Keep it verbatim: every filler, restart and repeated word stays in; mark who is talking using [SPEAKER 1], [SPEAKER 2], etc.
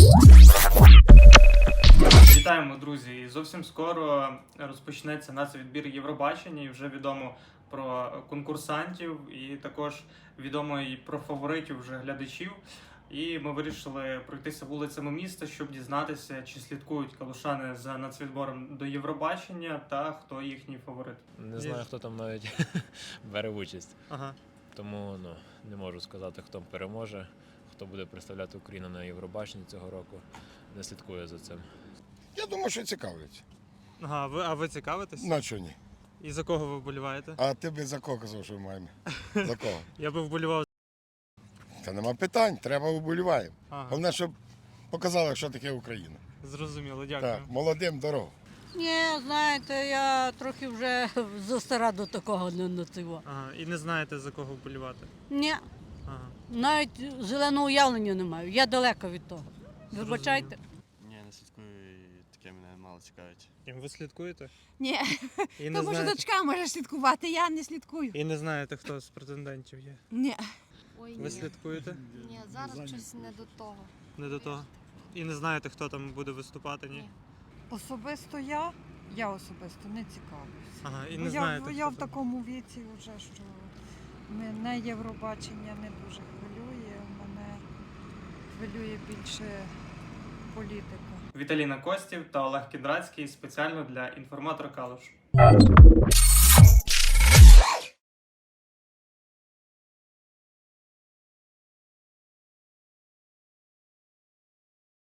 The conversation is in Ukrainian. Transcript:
[SPEAKER 1] Вітаємо, друзі! Зовсім скоро розпочнеться нацвідбір Євробачення, і вже відомо про конкурсантів, і також відомо і про фаворитів вже глядачів. І ми вирішили пройтися вулицями міста, щоб дізнатися, чи слідкують калушани за нацвідбором до Євробачення та хто їхній фаворит.
[SPEAKER 2] Не знаю, хто там навіть бере участь.
[SPEAKER 1] Ага.
[SPEAKER 2] Тому ну, не можу сказати, хто переможе, хто буде представляти Україну на Євробаченні цього року. Не слідкую за цим.
[SPEAKER 3] Я думаю, що цікавлять.
[SPEAKER 1] Ага, ви, а ви цікавитесь?
[SPEAKER 3] На що ні?
[SPEAKER 1] І за кого ви вболіваєте?
[SPEAKER 3] А ти би за кого казав, що ми маємо? За кого?
[SPEAKER 1] Я би вболівав.
[SPEAKER 3] Та нема питань, треба вболіваємо.
[SPEAKER 1] Ага,
[SPEAKER 3] Головне, щоб показали, що таке Україна.
[SPEAKER 1] зрозуміло, дякую.
[SPEAKER 3] Так, молодим дорогу.
[SPEAKER 4] Ні, знаєте, я трохи вже застара до такого не нацього.
[SPEAKER 1] Ага, і не знаєте, за кого вболівати?
[SPEAKER 4] Ні,
[SPEAKER 1] Ага.
[SPEAKER 4] навіть зеленого уявлення не маю. Я далеко від того. Вибачайте.
[SPEAKER 5] Ні, не слідкую, і таке мене мало цікавить.
[SPEAKER 1] І ви слідкуєте?
[SPEAKER 6] Ні,
[SPEAKER 1] І не,
[SPEAKER 6] то може
[SPEAKER 1] знаєте,
[SPEAKER 6] дочка може слідкувати, я не слідкую.
[SPEAKER 1] і не знаєте, хто з претендентів є?
[SPEAKER 6] Ні.
[SPEAKER 7] Ой,
[SPEAKER 1] Ви
[SPEAKER 7] ні.
[SPEAKER 1] слідкуєте?
[SPEAKER 7] Ні, зараз щось не до того.
[SPEAKER 1] Не до того. І не знаєте, хто там буде виступати, ні?
[SPEAKER 7] Ні.
[SPEAKER 8] Особисто я, я особисто не цікавлюся.
[SPEAKER 1] Ага, і
[SPEAKER 8] Бо
[SPEAKER 1] не
[SPEAKER 8] я,
[SPEAKER 1] знаєте,
[SPEAKER 8] я
[SPEAKER 1] хто
[SPEAKER 8] в
[SPEAKER 1] там.
[SPEAKER 8] такому віці вже, що мене Євробачення не дуже хвилює, мене хвилює більше політика.
[SPEAKER 1] Віталіна Костів та Олег Кіндрацький спеціально для інформатора Калуш.